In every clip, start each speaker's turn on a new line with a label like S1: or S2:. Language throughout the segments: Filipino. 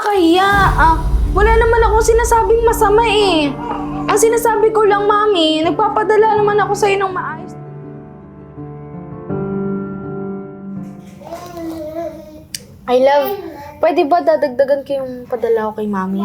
S1: nakakahiya. Wala naman akong sinasabing masama eh. Ang sinasabi ko lang, Mami, nagpapadala naman ako sa'yo ng maayos. I love, pwede ba dadagdagan ko yung padala ko kay Mami?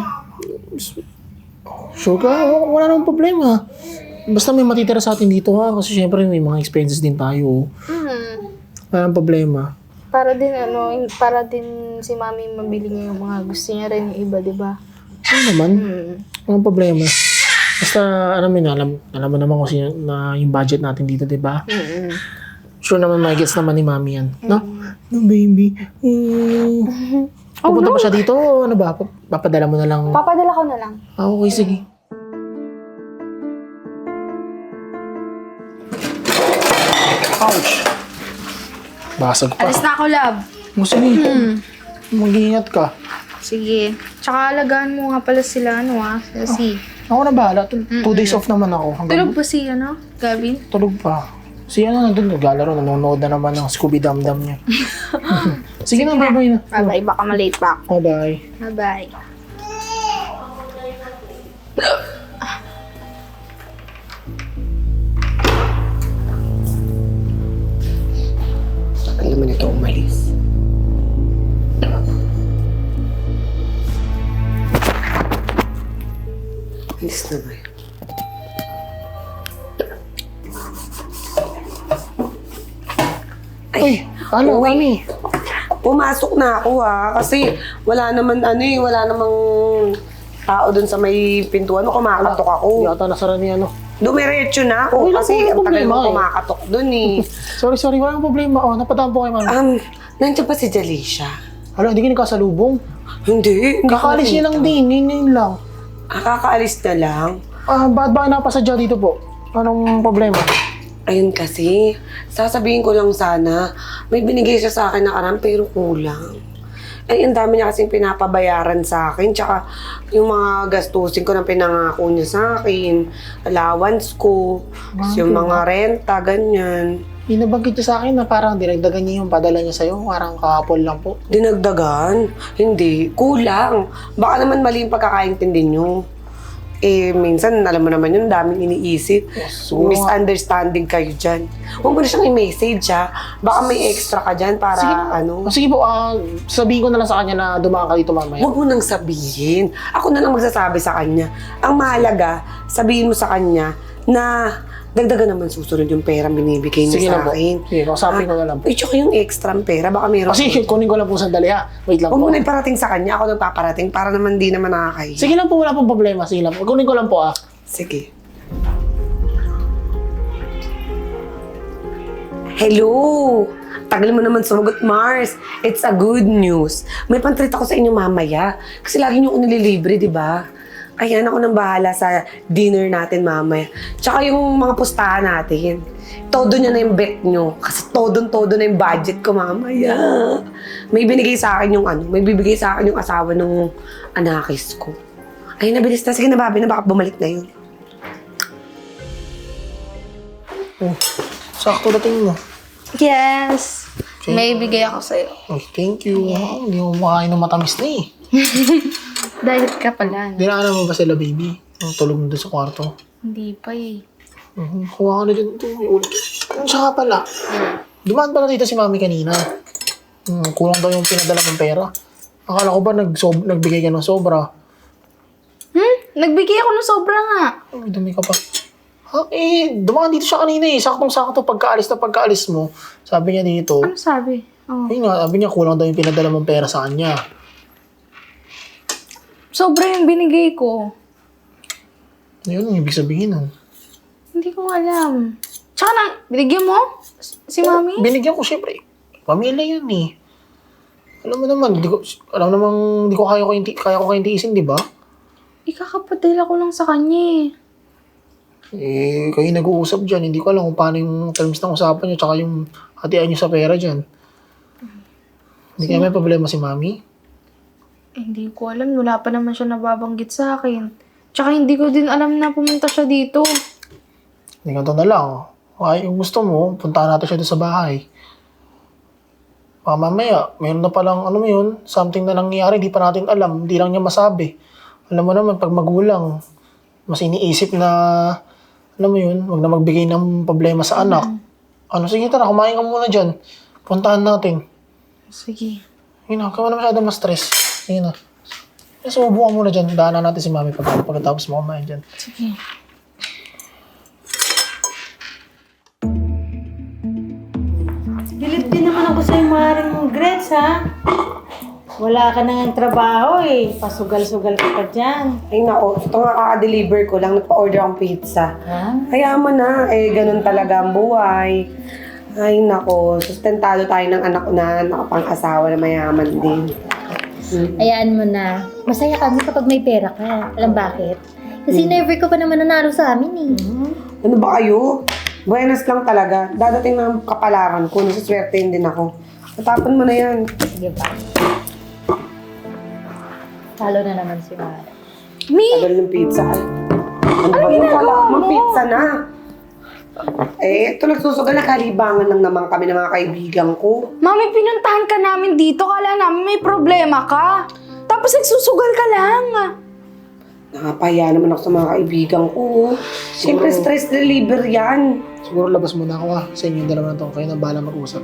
S2: Sure ka? Wala namang problema. Basta may matitira sa atin dito ha. Kasi syempre may mga expenses din tayo. Wala namang problema.
S1: Para din si Mami mabili niya yung mga gusto niya rin yung iba, di ba?
S2: Ano naman? Walang problema. Basta, alam mo naman kasi na yung budget natin dito, di ba? Sure naman, may gets naman ni Mami yan. No? No, baby. Pupunta pa siya dito o ano ba? Papadala mo na lang.
S1: Papadala ko na lang.
S2: Okay, sige. Ouch! Basag pa.
S1: Alis na ako, love.
S2: Sige. Mag-iingat ka.
S1: Sige. Tsaka alagaan mo nga pala sila, si...
S2: Ako na bahala. 2 days off naman ako.
S1: Tulog ba si, Gavin?
S2: Tulog pa. Si nandun naglalaro. Nanonood na naman ng Scooby Dum-Dum niya. Sige na, bye-bye na.
S1: Bye-bye, baka malate pa ako.
S2: Bye-bye.
S1: Bye-bye.
S3: Tagal naman ito umalis. Alis na ba yun?
S2: Uy, ano, Mami?
S3: Pumasok na ako kasi wala naman wala namang tao dun sa may pintuan. Kumakatok ako.
S2: Yata nasara ni ano.
S3: Dumiretso na ako
S2: Okay lang,
S3: kasi
S2: walang
S3: ang tagal
S2: problema
S3: mo
S2: eh.
S3: kumakatok dun eh.
S2: Sorry, walang problema. Napadaan po kay Mami.
S3: Nandiyan pa si Jalisha.
S2: Hala, hindi ka nagkasalubong.
S3: Hindi.
S2: Kakaalis niya lang din. Yun lang.
S3: Kakaalis na lang.
S2: Ba't ba napasadya dito po? Anong problema?
S3: Ayun kasi, sasabihin ko lang sana, may binigay siya sa akin na karam pero kulang. Ay, ang dami niya kasing pinapabayaran sa akin, tsaka yung mga gastusin ko na pinangako niya sa akin, allowance ko, yung mga renta, ganyan.
S2: Inabanggit niya sa akin na parang dinagdagan niya yung padala niya sa'yo. Parang kahapon lang po.
S3: Dinagdagan? Hindi, kulang. Baka naman mali yung pagkakaintindi niyo. Minsan, alam mo naman yun, daming iniisip.
S2: So,
S3: Misunderstanding kayo dyan. Huwag mo na siyang i-message, ha? Baka may extra ka dyan para,
S2: Sige po, sabihin ko na lang sa kanya na dumaan ka dito mamaya.
S3: Huwag mo nang sabihin. Ako na lang magsasabi sa kanya. Ang mahalaga, sabihin mo sa kanya na dagdagan naman susunod yung pera binibigay niya
S2: Sige
S3: sa
S2: na po.
S3: akin.
S2: Sige, kausapin ko na lang po.
S3: Tsaka yung extra pera, baka meron.
S2: Kasi kunin ko lang po sandali ha. Wait lang
S3: Huwag
S2: po.
S3: mo na iparating sa kanya, ako nagpaparating para naman di naman nakakahiya.
S2: Sige lang po, wala pong problema. Sige lang po. Kunin ko lang po
S3: Sige. Hello! Tagal mo naman sumagot, Mars. It's a good news. May pantreat ako sa inyo mamaya. Kasi lagi niyo ako nililibre, di ba? Ayan, ako nang bahala sa dinner natin mamaya. Tsaka yung mga pustahan natin. Todo niya na yung bet nyo. Kasi todo na yung budget ko mamaya. May binigay sa akin may bibigay sa akin yung asawa ng anakis ko. Ay, nabilis na. Sige na, Bobby, na baka bumalik na yun.
S2: Sakto dating mo.
S1: Yes! May bigay ako sa'yo.
S2: Oh, thank you. Hindi mo makain ng matamis na eh.
S1: Diet ka pala.
S2: Dinaanan mo ba sila, baby? Ang tulog mo doon sa kwarto.
S1: Hindi pa eh.
S2: Kuha ka na dyan. Ito, may ulit. Tsaka pala. Dumaan pala dito si Mami kanina. Kulang daw yung pinadala mong pera. Akala ko ba nagbigay ka ng sobra?
S1: Nagbigay ako ng sobra nga.
S2: Ay, dumi ka pa. Dumaan dito siya kanina eh. Saktong-sakto pagkaalis mo. Sabi niya dito.
S1: Ano sabi?
S2: Ayun nga, sabi niya kulang daw yung pinadala mong pera sa kanya.
S1: Sobra yung binigay ko.
S2: Ayun, ang ibig sabihin nun.
S1: Hindi ko alam. Tsaka binigyan mo? Si Mami?
S2: Binigyan ko siyempre. Pamilya yun eh. Alam mo naman, di ko kaya ko kayong tiisin, di ba?
S1: Ikakapadala ko lang sa kanya eh.
S2: Kayo nag-uusap dyan. Hindi ko alam kung paano yung terms ng usapan nyo tsaka yung hatian nyo sa pera dyan. Hindi kaya may problema si Mami?
S1: Hindi ko alam. Wala pa naman siya nababanggit sa akin. Tsaka hindi ko din alam na pumunta siya dito.
S2: Hindi ganito na lang. Kung gusto mo, puntahan natin siya doon sa bahay. Baka mamaya, mayroon na palang, ano mo yun, something na nangyayari, di pa natin alam, di lang niya masabi. Alam mo naman, pag magulang, mas iniisip na, alam mo yun, wag na magbigay ng problema sa anak. Ano, sige tara, kumain ka muna dyan. Puntahan natin.
S1: Sige.
S2: Yun na, kaya na masyadong ma-stress. Yun na. Subukan muna dyan, daanan natin si mami pagkatapos mo kumain dyan.
S1: Sige.
S4: Galit din naman ako sa'yo, Maring Grets, ha? Wala ka nang trabaho eh. Pasugal-sugal ka pa dyan.
S3: Ay nako, ito nga kaka-deliver ko lang, nagpa-order akong pizza.
S4: Ha?
S3: Kaya mo na, ganun talaga ang buhay. Ay nako, sustentado tayo ng anak ko na nakapang-asawa na mayaman din.
S5: Hayaan mo na. Masaya kami kapag may pera ka. Alam bakit? Kasi never ka pa naman nanalo sa amin eh.
S3: Ano ba kayo? Buenas lang talaga. Dadating ng kapalaran ko, nasuswertein din ako. Matapon mo na yan.
S5: Sige ba? Talo na naman si Mara.
S1: Mi!
S3: Tagal ng pizza. Ay, ano ba yun? Kala ko mang pizza na. Ito nagsusugal na kalibangan lang naman kami ng mga kaibigan ko.
S1: Mami, pinuntahan ka namin dito. Kala namin may problema ka. Tapos nagsusugal ka lang.
S3: Nakapaya naman ako sa mga kaibigan ko. Siyempre, stress reliever yan.
S2: Siguro labas muna ako sa inyo yung dalawa na to. Kayo na bahala mag-usap.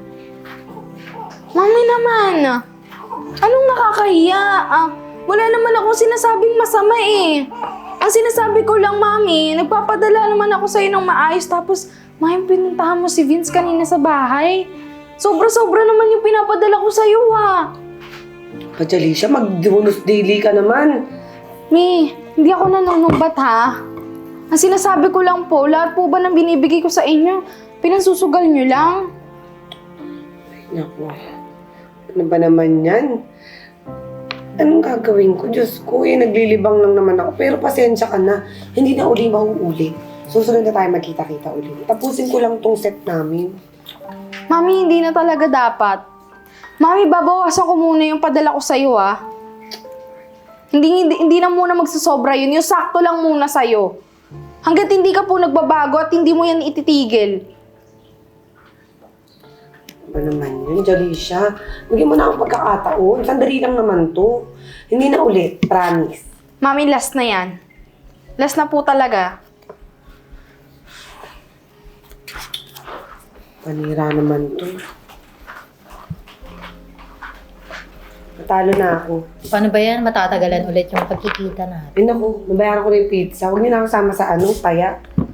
S1: Mami naman. Anong nakakahiya? Wala naman akong sinasabing masama eh. Ang sinasabi ko lang, Mami, nagpapadala naman ako sa'yo ng maayos. Tapos, Mami, pinuntahan mo si Vince kanina sa bahay. Sobra-sobra naman yung pinapadala ko sa'yo, ha.
S3: Jalisha, mag-bonus daily ka naman.
S1: Mi, hindi ako nanunumbat, ha. Ang sinasabi ko lang po, lahat po ba ng binibigay ko sa inyo, pinansusugal nyo lang?
S3: Naku, ano ba naman yan? Anong gagawin ko? Diyos ko, naglilibang lang naman ako. Pero pasensya ka na, hindi na uli mauulit. Susunod na tayo magkita-kita uli. Tapusin ko lang tong set namin.
S1: Mami, hindi na talaga dapat. Mami, babawasan ko muna yung padala ko sa'yo, ha. Hindi na muna magsasobra yun. Yung sakto lang muna sa'yo. Hanggat hindi ka po nagbabago at hindi mo yan ititigil.
S3: Ano ba naman yun, Jalisha? Bigyan mo na akong pagkakataon. Sandali lang naman to. Hindi na ulit, promise.
S1: Mami, last na yan. Last na po talaga.
S3: Panira naman to. Natalo na ako.
S5: Paano ba yan? Matatagalan ulit yung pagkikita natin.
S3: Ay naku, nabayaran ko na yung pizza. Huwag niyo na ako sama sa taya.